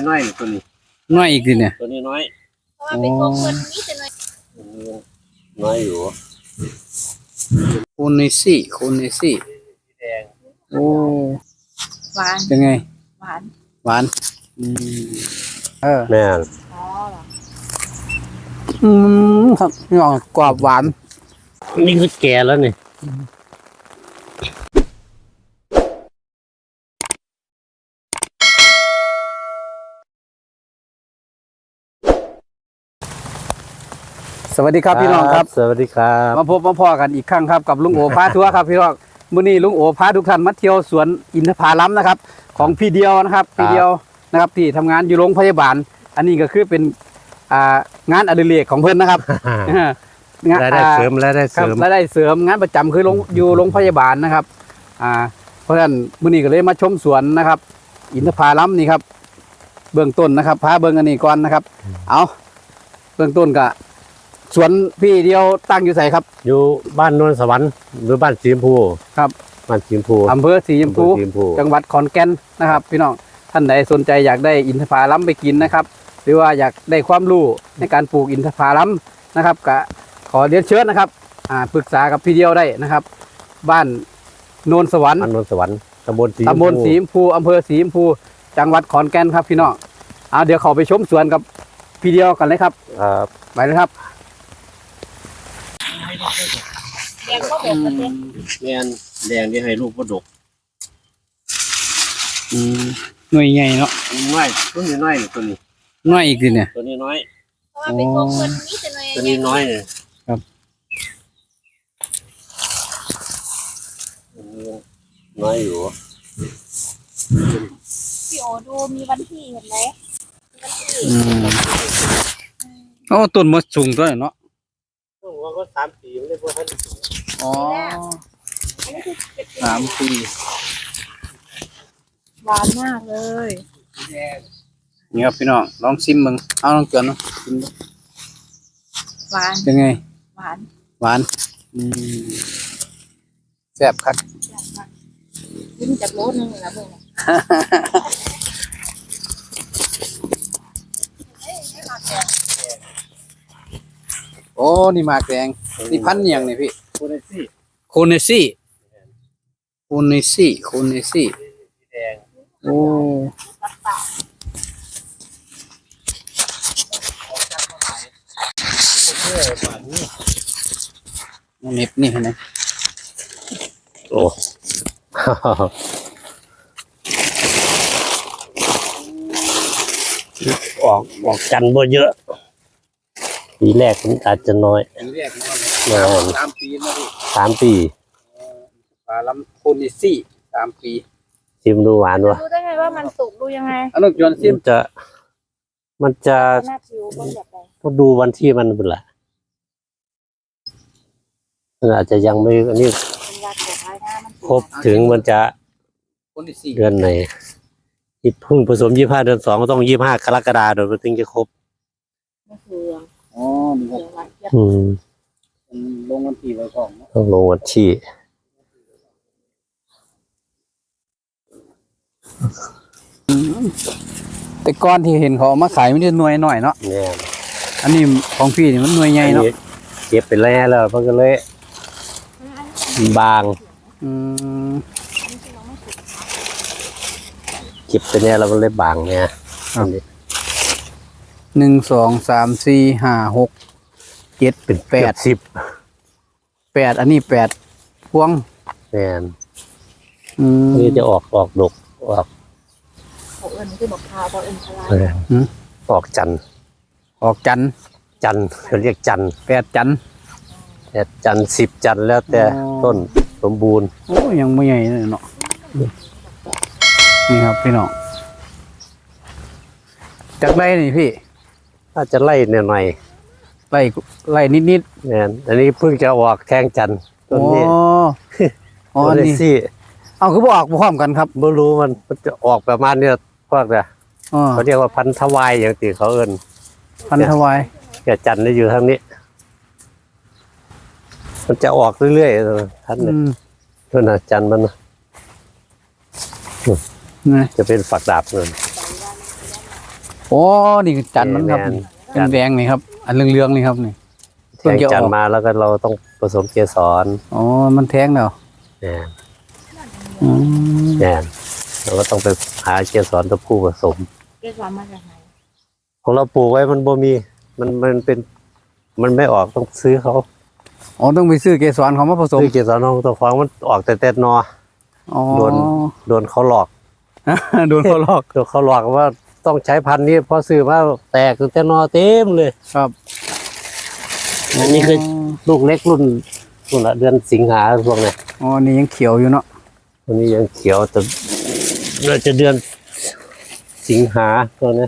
น้อยตัวนี้น้อยอีกดิเนี่ยตัวนี้น้อยเพราะว่าเป็นของคนนี้จะน้อยน้อยอยู่โคเนซี่แดงโอ้หวานเป็นไงหวานหวานแม่อ๋อเหรอครับนี่ออกกรอบหวานนี่คือแก่แล้วนี่สวัสดีครับพี่น้องครับสวัสดีครับมาพบมาพอกันอีกครั้งครับกับลุงโอพาทัวร์ครับพี่น้องมื้อนี้ลุงโอพาทุกท่านมาเที่ยวสวนอินทผลัมนะครับของพี่เดียวนะครับพี่เดียวนะครับที่ทำงานอยู่โรงพยาบาลอันนี้ก็คือเป็นงานอดิเรกของเพื่อนนะครับรายได้เสริมรายได้เสริมงานประจำคืออยู่โรงพยาบาลนะครับเพราะฉะนั้นมื้อนี้ก็เลยมาชมสวนนะครับอินทผลัมนี่ครับเบื้องต้นนะครับพาเบื้องอันนี้ก่อนนะครับเอาเบื้องต้นก็สวนพี่เดียวตั้งอยู่ไสครับอยู่บ้านนวลสวรรค์หรือบ้านสีชมพูครับบ้านสีชมพูอำเภอสีชมพูจังหวัดขอนแก่นนะครับพี่น้องท่านใดสนใจอยากได้อินทผลัมไปกินนะครับหรือว่าอยากได้ความรู้ในการปลูกอินทผลัมนะครับก็ขอเรียนเชิญนะครับปรึกษากับพี่เดียวได้นะครับบ้านโนนสวรรค์ตำบลสีชมพูอำเภอสีชมพูจังหวัดขอนแก่นครับพี่น้องเดี๋ยวขอไปชมสวนกับพี่เดียวกันเลยครับไปเลยครับแดงก็แบบนี้แดงที่ให้ลูกก็ดกหน่วยใหญ่เนาะน้อยตัวนี้น้อยตัวนี้น้อยอีกดิเนี่ยตัวนี้น้อยเพราะว่าเป็นของคนนี้จะน้อยตัวนี้น้อยเลยครับน้อยอยู่พี่โอดูมีวันที่เห็นไหมโอ้ต้นมะสูงตัวเนาะว่าก็3 ปีไม่ได้พอท่านอ๋อ3 ปีหวานมากเลยนี่ครับพี่น้องลองชิมมึงเอาลองเกินเนาะชิมหวานเป็นไงหวานแซ่บครับกินจากโลนึงแล้วเบิ่งโอ้นี่หมากแดงนี่พันธุ์ยังนี่พี่โคเนซี่แดงโอ้เน็บนี่เห็นไหมโอ้ออกกันบ่เยอะปีแรกมันอาจจะน้อย 3 ปีนะพี่ 3 ปีลำโคเนซี่3 ปีชิมดูหวานวะรู้ได้ไงว่ามันสุกดูยังไงลูกจวนชิมมันจะต้องดูวันที่มันเป็นไรมันอาจจะยังไม่อันนี้ครบถึงมันจะเดือนไหนเพิ่งผสม25 เดือน 2ก็ต้อง25 กรกฎาคมถึงจะครบอ๋อลงวันที่ไว้ก่อนต้องลงวันที่แต่ก้อนที่เห็นเขามาขายไม่ได้หน่วยหน่อยเนาะเนี่ยอันนี้ของพี่นี่มันหน่วยใหญ่เนาะเก็บไปแล้วมันก็เลยบางเก็บไปเนี่ยเราก็เลยบางเนี่ย 1 2 3 4 5 6 7เป็น8 10 8อันนี้8พวงแม่นนี่จะออกดกออกเอิญคือบอกพาบอกเอิญพลายออกจันเขาเรียกจัน 8 จัน 10 จันแล้วแต่ต้นสมบูรณ์โอ้ยังไม่ใหญ่เลยเนาะนี่ครับพี่น้องจากไร่นี่พี่ถ้าจะไล่หน่อยไล่นิดเนี่ยอันนี้เพิ่งจะออกแทงจันต้นนี้อ๋อนี่เอาคือบอกพร้อมกันครับไม่รู้มันจะออกประมาณนี้พวกเนี่ยเขาเรียกว่าพันธวายอย่างที่เขาเอิ้นพันธวายแกจันได้อยู่ทางนี้มันจะออกเรื่อยๆท่านเนี่ยต้นจันมันจะเป็นฝักดาบเงินอ้นี่คือจันทร์มันครับเป็นแดงนี่ครับ อันเหลืองๆนี่ครับนี่แทงจันทร์มาแล้วก็เราต้องผสมเกสรอ๋อมันแทงแล้วเนี่ยอืมเนี่ยเราก็ต้องไปหาเกสรตัวผู้ผสมเกสรมาจากไหนของเราปลูกไว้มันบ่มีมันเป็นมันไม่ออกต้องซื้อเขาอ๋อต้องไปซื้อเกสรเขามาผสมซื้อเกสรน้องตัวฟองมันออกแต่นออ๋อโดนเขาหลอกโดนเขาหลอกโดนเขาหลอกว่าต้องใช้พันธุ์นี้พอซื้อมาแตกแต่นอเต็มเลยครับอันนี้คือลูกเล็กรุ่นละเดือนสิงหาพวกเนี้ยอ๋อนี่ยังเขียวอยู่เนาะตัวนี้ยังเขียวแต่เราจะเดือนสิงหาตัวนี้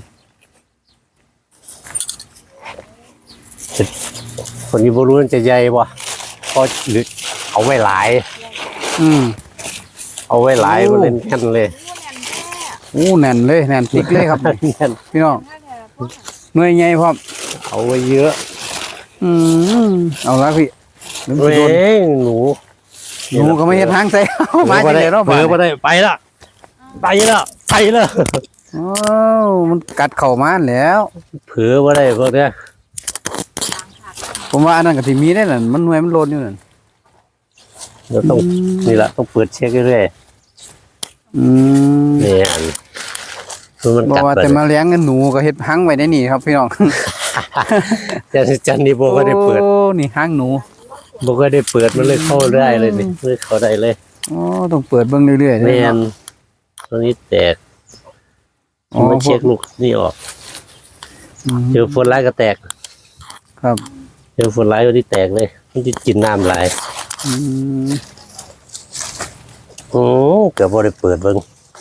คนนี้บรู้มันจะใหญ่บ่เพราะหรือเอาไว้หลายอืมเอาไว้หลายโอ้มันเล่นกันเลยรู้แน่นแท้อู้แน่นเลยแน่นติ๊กเลยครับแน่นพี่น้องถ้าแท้พวกหน่วยใหญ่พร้อมเอาไว้เยอะอืมเอาละพี่เดี๋ยวเว้โดนยหนูหนูก็ไม่เห็นทางใส่เอามาจังเลยเนาะเผลอมาได้ไปละไปละไปละอ๋อมันกัดเข่ามาแล้วเผลอมาได้พวกเนี้ยผมว่าอันนั้นก็สิมีได้นั่นมันหน่วยมันโลนอยู่นั่นเราต้องนี่แหละต้องเปิดเช็คเรื่อยอืมๆนี่อันมันบอกกัดว่าไปแต่มาเลี้ยงเงินหนูก็เฮ็ดหังไว้ในนี่ครับพี่น้องจันนี่โบก็ได้เปิดโอ้นี่หังหนูโบก็ได้เปิดมันเลยเข้าได้เลยนี่เลยเข้าได้เลยอ๋อต้องเปิดเบิ่งเรื่อยๆแมเลยนเนาะตัวนี้แตกอ๋อมันเช็คลูกนี่ออกอืมเจอฝนร้ายก็แตกครับเจอฝนร้ายวันนี้แตกเลยมันจะกินน้ำหลายอืมโอ้เกือบบ่ได้เปิดเบิ่ง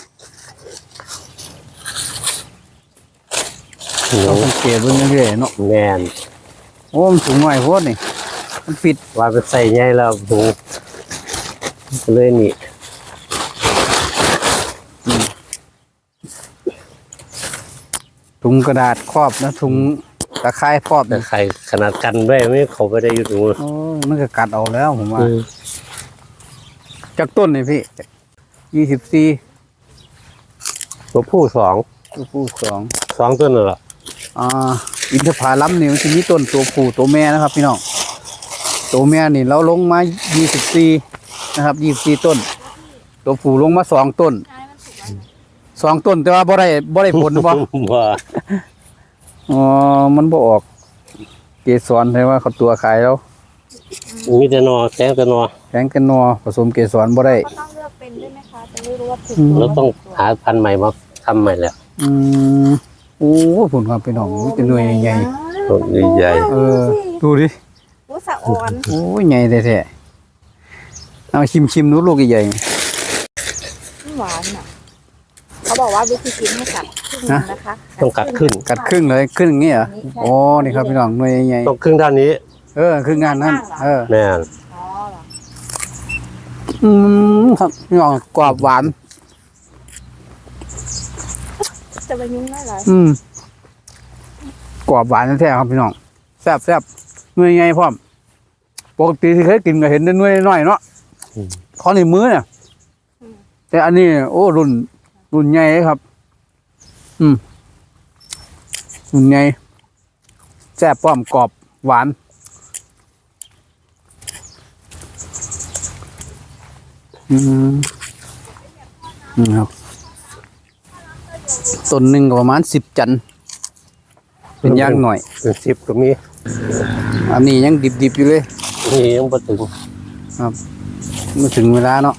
หนูต้องสังเกตเบิ่งเรื่อยๆเนาะแมนโอ้มันสูงหน่อยโพดนี่มันปิดว่าไปใส่ใหญ่แล้วหนูเลยนี่ถุงกระดาษครอบนะถุงตะไคร้ครอบแต่นี่ใครขนาดกันไว้ไม่เขาไปได้อยู่ตรงนู้นโอ้มันก็กัดเอาแล้วผมว่าอืมจากต้นนี่พี่24 ตัวผู้สองตัวผู้2 ต้นน่ะเหรออินทผลัมนี่มันจะมีต้นตัวผู้ตัวแม่นะครับ พี่น้องตัวแม่นี่เราลงมา24นะครับ24ต้น ตัวผู้ลงมา2ต้นท้ายมันสุกแล้ว 2ต้นแต่ว่าบ่ได้ผลบ่ว่าอ๋อมันบ่ออกเกสรใช่ว่าเขาตัวขายแล้วมีแต่นอแตงแต่นอแข็งกันนัวผสมเกสรบ่ได้ก็ต้องเลือกเป็นด้วยไหมคะจะได้รู้ว่าถูกเราต้องหาพันธุ์ใหม่มาทำใหม่แล้วอืมโอ้ผลครับพี่น้องมันจะหน่วยใหญ่ต้นใหญ่ๆดูดิรู้สะอ่อนโอ้ยใหญ่แท้ๆเอาชิมดูลูกใหญ่หวานอ่ะเขาบอกว่าวิธีกินให้กัดครึ่งหนึ่งนะคะๆต้องกัดขึ้นๆกัดครึ่งเลยครึ่งอย่างนี้เหรอโอ้นี่ครับพี่น้องหน่วยใหญ่ต้องครึ่งด้านนี้ครึ่งงานนั้น哦แม่นอ๋อเหรอครับพี่น้องกรอบหวานจะไปยุ่งได้เหรอกรอบหวานแท้ๆครับพี่น้องแซ่บหน่วยใหญ่พร้อมปกติที่เคยกินก็เห็นแต่หน่วยน้อยเนาะขอในมือเนี่ยแต่อันนี้โอ้รุ่นใหญ่เลยครับ รุ่นใหญ่แซ่บพร้อมกรอบหวานครับต้นหนึ่งก็ประมาณ10 จันทร์เป็นอย่างหน่อยเป็น10ก็มีอันนี้ยังดิบๆอยู่เลยนี่ยังบ่ถึงครับเมื่อถึงเวลาเนาะ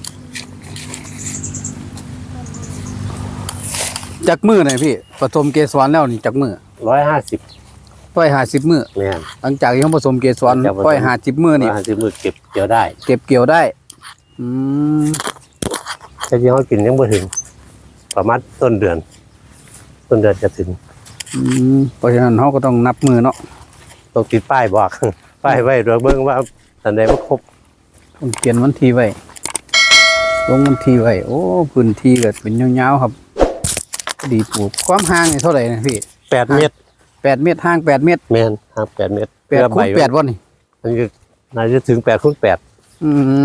จักมือหน่อยพี่ผสมเกสรแล้วนี่จักมือ 150 150 มือแม่นหลังจากที่เขาผสมเกสรหลังจากผสม 150 มือนี่ 150มื้อเก็บเกี่ยวได้เก็บเกี่ยวได้แต่ที่เขากินยังบ่ถึง ประมาณต้นเดือนจะถึงเพราะฉะนั้นเขาก็ต้องนับมือเนาะต้องติดป้ายบอก ป้ายไว้โดยเบิ่งว่าอันใดบ่ครบต้องเขียนวันที่ไว้ลงวันที่ไว้โอ้พื้นที่ก็เป็นยาวๆครับ ดีปลูกความห่างนี่เท่าไหร่นะพี่ 8 เมตร 8 เมตรห่าง8 เมตรแม่นห่าง8 เมตร 8คูณ8วันนี่มันก็น่าจะถึง8คูณ8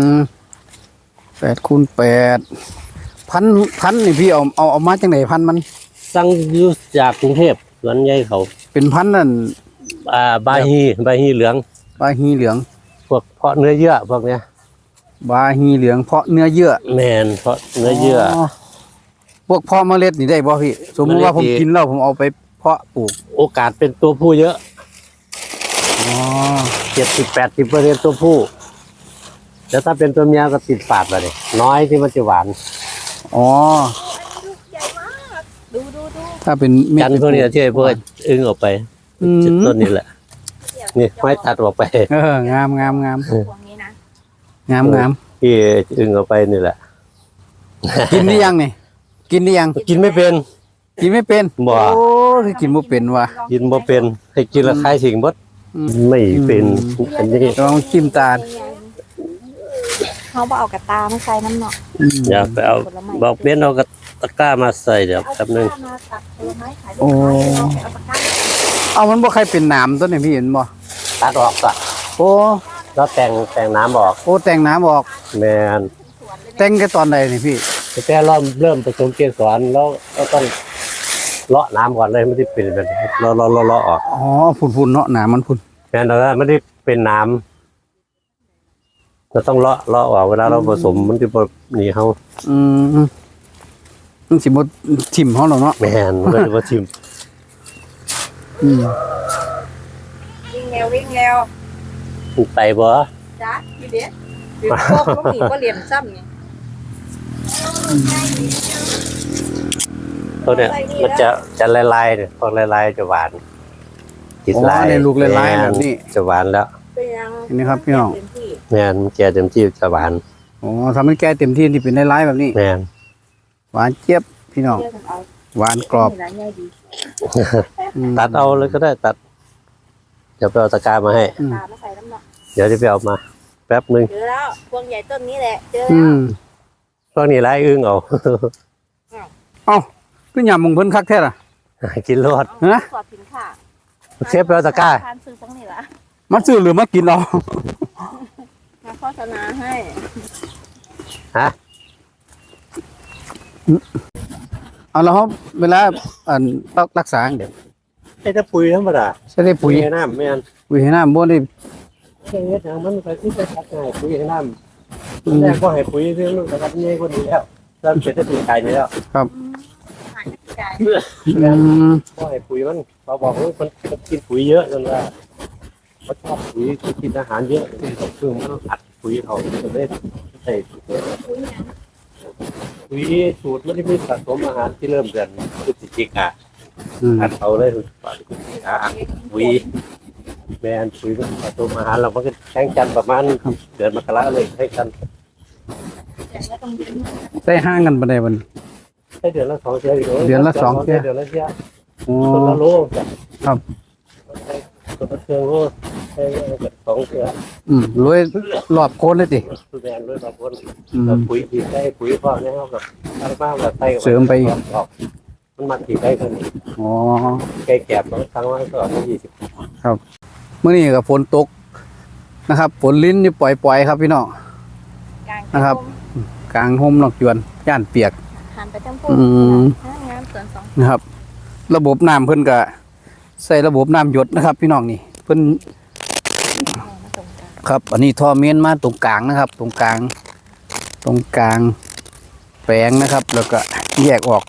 8คูณ8พันนี่พี่เอามาจังไหนพันมันสั่งอยู่จากกรุงเทพสวนใหญ่เขาเป็นพันธุ์นั่นบาฮีเหลืองบาฮีเหลืองพวกเพาะเนื้อเยื่อพวกเนี้ยบาฮีเหลืองเพาะเนื้อเยื่อแมนเพาะเนื้อเยื่อพวกเพาะเมล็ดนี่ได้บ่พี่สมมติว่าผมกินแล้วผมเอาไปเพาะปลูกโอกาสเป็นตัวผู้เยอะอ๋อ 70-80%ตัวผู้แล้วถ้าเป็นตัวเมียก็ติดฝาดไปเลยน้อยที่มันจะหวานอ๋ออันนี้ลูกใหญ่มากดูถ้าเป็นเม็ดจันทร์พวกนี้ที่ไอ้พวกอึ้งออกไปอืมต้นนี้แหละนี่ไม้ตัดออกไปงามพวงนี้นะงามที่อึ้งออกไปนี่แหละกินได้ยังนี่กินได้ยังกินไม่เป็นกินไม่เป็นบ่โอ้ยกินบ่เป็นว่ะกินบ่เป็นให้กินและคายสิ่งบดไม่เป็นอันนี้ลองจิ้มตาลเขาบอกเอากระตามาใส่น้ำหนักอย่าไปเอาบอกเบ้นเอากระตะกร้ามาใส่เดี๋ยวแป๊บนึงมาตัดผลไม้ขายโอ้เอาตะกร้าเอามันบ่ใครเป็นหนามตัวนี้พี่เห็นบ่ตัดออกก็โอ้แล้วแต่งน้ำออกโอ้แต่งน้ำออกแมนแต่งแค่ตอนใดนี่พี่แต่เริ่มผสมเกสรแล้วก็ต้องเลาะน้ำก่อนเลยไม่ได้เป็นแบบเลาะออกอ๋อฝุ่นๆเนาะหนามมันฝุ่นแมนเราไม่ได้เป็นน้ำเราต้องเลาะออกเวลาเราผสมมันจะหนีเขาอืมมันสิบ่ทิ่มเฮาหรอกเนาะแมนมันก็จะว่าทิมอืมวิ่งแล้วไปบ่จ้าพี่เด็ดพี่พวกลูกหมีก็เรียนซ้ำไงตัวเนี้ยมันจะลายๆเนี่ยพอลายๆจะหวานติดอ๋อลายในลูกลายๆแบบนี้จะหวานแล้วเป็นยังเห็นไหมครับพี่น้องเต็มที่แมนแก่เต็มที่จะหวานอ๋อทำให้แก่เต็มที่ที่เป็นลายๆแบบนี้แมนหวานเจี๊ยบพี่น้องเชื่อกันเอาหวานกรอบนี่ร้านใหญ่ดีอืมตัดเอาเลยก็ได้ตัดเดี๋ยวไปเอาตะกร้ามาให้อืมตามาใส่น้ำหนักเดี๋ยวจะไปเอามา แป๊บนึงเจอแล้วพวงใหญ่ต้นนี้แหละเจออืแล้วมพวกนี้ไล่อึ้งเอาเอ้าคือยำมงเพิ่นคักแท้ล่ะกินรอดฮะขอดสินค่ะเชฟไปเอาตะกร้าทานซื้อตั้งนี่ละมันซื้อหรือมากินเอามาโฆษณาให้ฮะเอาแล้วเขาเวลาอันรักษาเดี๋ยวไอ้ถ้าปุ๋ยธรรมดาใช้ได้ปุ๋ยให้น้ำแม่นปุ๋ยให้น้ำบ่ได้แค่นี้ทางมันไปที่จะทักง่ายปุ๋ยให้น้ำแรกก็ให้ปุ๋ยเรื่องมันนะครับนี่ก็ดีแล้วเริ่มเป็นได้ปุ๋ยไก่นี่แล้วหายใจอืมก็ให้ปุ๋ยมันเขาบอกว่ามันกินปุ๋ยเยอะจนว่าเขาชอบปุ๋ยกินอาหารเยอะคือมันต้องอัดปุ๋ยเขาจะได้ใส่ปุ๋ยสูตรไม่ได้มีสะสมอาหารที่เริ่มเดือนพฤศจิกาอืมอัดเขาเลยปุ๋ยแมนปุ๋ยมันสะสมอาหารเรามันก็แข่งกันประมาณเดือนมกราเลยให้กันได้ห้างกันบ่ได้บัดให้เดือนละ2 เที่ยวเดือนละ2 เที่ยวเดือนละเที่ยวโอ้คนละโลจ้ะครับคนละเที่ยวโลให้2 เที่ยวรวยรอบโคนเลยติคือแมนด้วยบางคนอืมแล้วปุ๋ยที่ได้ปุ๋ยพอเนี่ยเขากับทางบ้านแบบไทยเสริมไปอีกออกมันมาที่ได้คนอ๋อไก่แก็บบางครั้งว่าก็20 มื้อนี้ก็ฝนตกนะครับฝนลิ้นนี่ปล่อยๆครับพี่น้องกลางนะครับ กลางห่มนอกจวนย่านเปียกหันไปทั้งพูอืมงามสวนสองนะครับ ระบบน้ำเพิ่นก็ใส่ระบบน้ำหยดนะครับ พี่น้องนี่เพิ่นมาตรงกลางครับ อันนี้ท่อเมนมาตรงกลางนะครับ ตรงกลางแปลงนะครับ แล้วก็แยกออก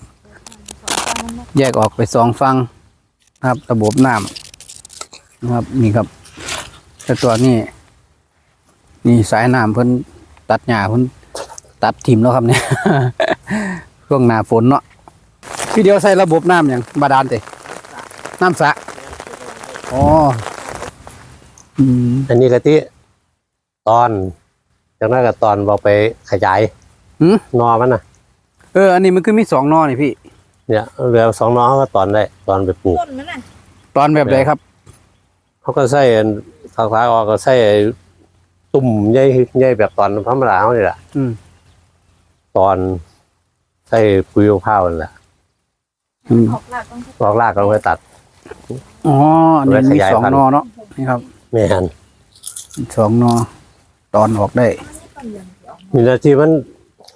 ไป2ฝั่งนะครับ ระบบน้ำนะครับนี่ครับแต่ตัวนี้นี่สายน้ำเพิ่นตัดหญ้าเพิ่นตัดทิ่มแล้วครับเนี่ย ช่วงหน้าฝนเนาะพี่เดียวใส่ระบบน้ำอย่างบาดาลเตน้ำสระอ๋ออืมอันนี้กะทิตอนจากนั้นก็ตอนบอกไปขยายหืมนอมันน่ะอันนี้มันคือมี2 นอนี่พี่เนี่ยเหลือ2 นอเขาก็ตอนได้ตอนไปปลูกต้นมันน่ะตอนแบบไหนครับเขาก็ใส่ทางซ้ายออกก็ใส่ตุ่มใหญ่แบบตอนธรรมดาเขานี่แหละอืมตอนใส่ปุ๋ยข้าวนั่นแหละอืมออกหลักต้องลอกรากก็ไปตัดอ๋ออันนี้มีไว้ขยาย 2 พันธุ์นอเนาะนี่ครับแม่น 2 นอตอนออกได้มีหน้าที่มัน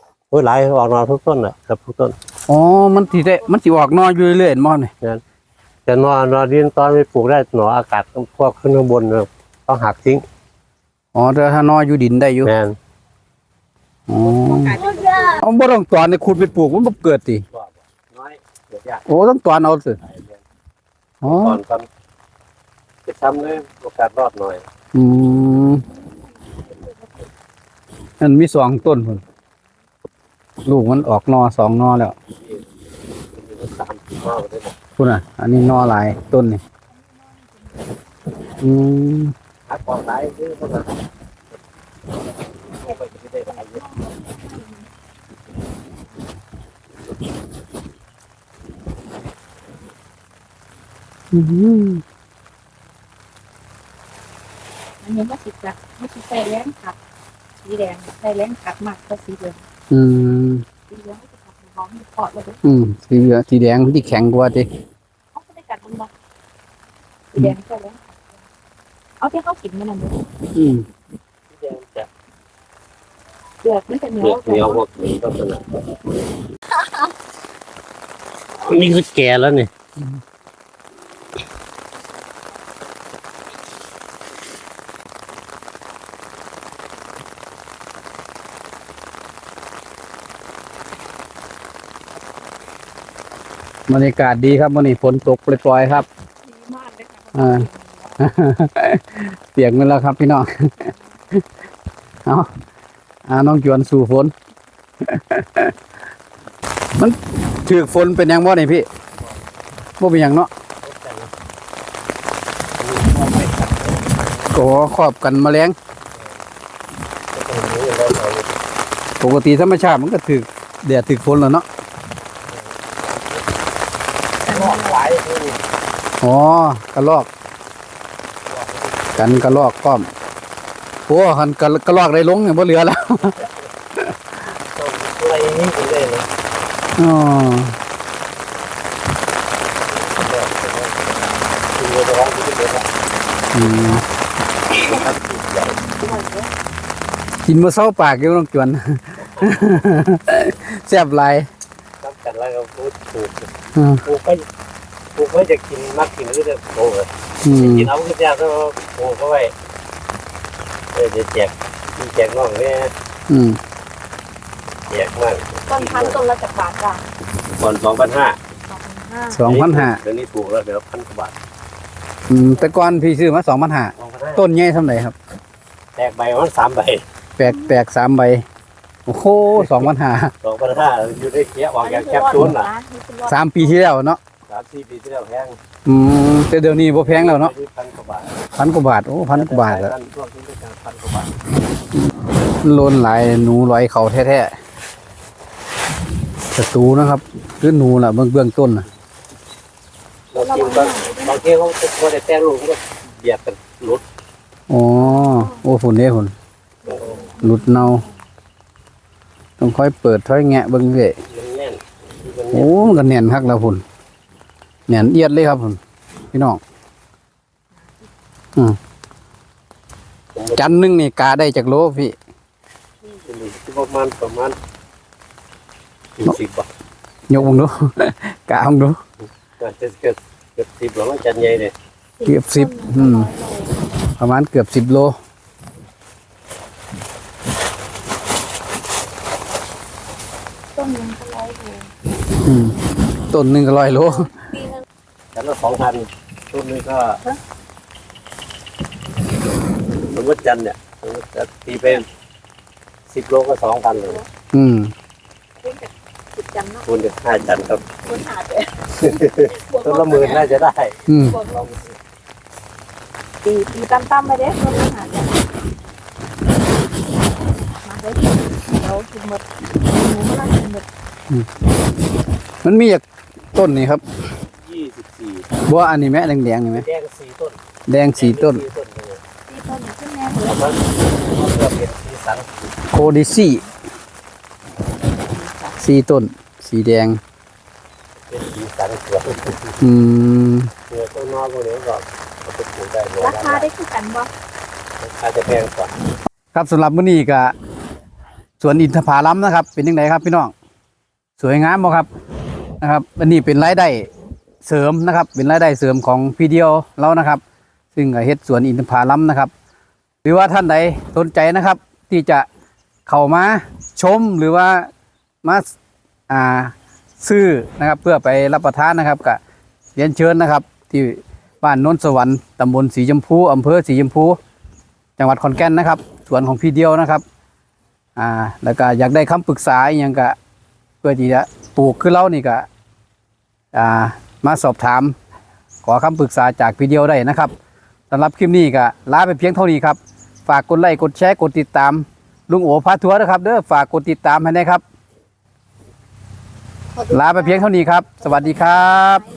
โอ้ยหลายออกนอทุกต้นอ่ะครับทุกต้นอ๋อมันสิออกนออยู่เรื่อยๆมั้งนี่งั้นแต่นอดินตอนไม่ปลูกได้หนออากาศพวกขึ้นข้างบนเนี่ยต้องหักทิ้งอ๋อแต่ถ้านออยู่ดินได้อยู่แม่นอ๋อเอาบ่ต้องตอนให้ขุดไปปลูกมันบ่เกิดติน้อยเกิดยากโอ้ต้องตอนเอาสิอ๋อตอนจะทำเลยโอกาสรอดหน่อยอืมมันมี2ต้นพุ่นลูกมันออกนอ2นอแล้ว 3 ข้อได้หมดพุ่นอ่ะ อันนี้นอหลายต้นนี่อืมหักออกหลายคือเท่านั้นไปจะได้หลายเยอะอืมอันนี้ไม่สิใส่แรงขับสีแดงใส่แรงขับมากกว่าสีเหลืองอืมสีเหลืองก็จะขับหอมเพาะเลยสีเหลืองสีแดงที่แข็งกว่าติเขาไม่ได้กัดมันบอกสีแดงใส่แรงขับเอาที่เขากินมันนั่นเลยอืมจะเปลือกมันจะเหนีเปยลือกเหนียวพวกนี้ต้องสนับนี่คือแก่แล้วนี่บรรยากาศดีครับวันนี้ฝนตกปล่อยๆครับดีมากเลยค่ะเปียกหมดแล้วครับพี่น้อง เอาน้องจวนสู่ฝน มันถือฝนเป็นหยังบ่นี่พี่บ่เป็นหยังเนาะก็ครอบกันแมลงปกติธรรมชาติมันก็ถือแดดถือฝนแล้วเนาะอ๋อกระลอกกันกระลอกก้อมโอ้หันกระลอกได้ลงเนี่ยบ่เหลือแล้วอะไรนี่ก็ได้เลยอ๋อคือเราร้องที่เดียวกันอืมนะครับใหญ่กินบ่เซาปากอยู่น้องจวน แซ่บหลายตั้งกันแล้วก็พูดถูกอืมปลูกไปจะกินมากกินก็จะโตเลยอืมกินเอาก็ยากก็ปลูกเขาไว้จะแจกน้องเนี่ยอืมแจกมากต้นพันธุ์ต้นละจากบาทจ้ะก่อน2,500 2,500 เดี๋ยวนี้ถูกแล้วเดี๋ยว1,000 กว่าบาทแต่ก่อนพี่ซื้อมา2,500 ต้ต้นใหญ่ส่ำใดครับแตกใบมัน3 ใบแปลก3ใบโอ้โห2,500 2,500อยู่ได้เคี้ยออกจากแคปซูลน่ะ 3ปีที่แล้วเนาะ 3-4 ปีที่แล้วแพงแต่เดี๋ยวนี้บ่แพงแล้วเนาะ 1,000 กว่าบาท 1,000 กว่าบาทโอ้1,000 กว่าบาทแล้วช่วงที่ได้การ1,000 กว่าบาทโลนหลายหนูลอยเขาแท้ๆศัตรูนะครับคือหนูล่ะเบื้องต้นน่ะบางทีเขาจะพอได้แต่ลูกก็เบียดกันหลุดอ๋อโอ้ฝุ่นเด้ฝุ่นหลุดเนาต้องค่อยเปิดค่อยแงะเบิ่งเด้มันแน่นโอ้มันก็แน่นคักแล้วฝุ่นแน่นเอียดเลยครับฝุ่นพี่น้องจันหนึงนี่กาได้จากโลพี่ประมาณ10 บาทยกมึงดู กามึงดูอาจจะเกือบ10หรอมันจันใหญ่เลยเกือบ10ประมาณเกือบ10 โลต้นนึงก็ร้อยโลต้นหนึงก็100 โลปีนึงจันละ2,000ต้นนึงก็สมมติจันเนี่ยสมมติจะตีเป็น10 โลก็ 2,000 เลยอืมเพิ่งจะติดจันเนาะคูณกับ5 จันครับคนหาเจอต้นละ10,000น่าจะได้อืมปีตั้มๆไปเด้คนหาเจอมาได้เรากินหมดหนูก็กินหมดมันมีจากต้นนี่ครับ 24 บัวอันนี้ไหมแดงๆนี่ไหมแดง4 ต้นแดง4 ต้นตีต้นขึ้นแม่เลยแล้วมันเริ่มเป็นสีสันโคดิซี่4 ต้น สีแดงเป็นสีสันสวยอืมเนื้อต้นนอกพวกนี้ก็เอาไปปลูกได้เลยราคาได้คือกันบ่ราคาจะแพงกว่าครับสำหรับมื้อนี้ก็สวนอินทผลัมนะครับ เป็นยังไงครับพี่น้อง สวยงามบ่ครับนะครับ อันนี้เป็นรายได้เสริมนะครับเป็นรายได้เสริมของพี่เดียวเรานะครับซึ่งเฮ็ดสวนอินทผลัมนะครับหรือว่าท่านใดสนใจนะครับ ที่จะเข้ามาชมหรือว่ามาซื้อนะครับเพื่อไปรับประทานนะครับก็เรียนเชิญนะครับที่บ้านโน้นสวรรค์ตำบลสีชมพูอำเภอสีชมพูจังหวัดขอนแก่นนะครับสวนของพี่เดียวนะครับแล้วก็อยากได้คำปรึกษาอย่างก็เพื่อที่จะปลูกคือเรานี่ก็มาสอบถามขอคำปรึกษาจากพี่เดียวได้นะครับสำหรับคลิปนี้ก็ลาไปเพียงเท่านี้ครับฝากกดไลค์กดแชร์กดติดตามลุงโอพาทัวร์นะครับเด้อฝากกดติดตามให้นะครับลาไปเพียงเท่านี้ครับสวัสดีครับ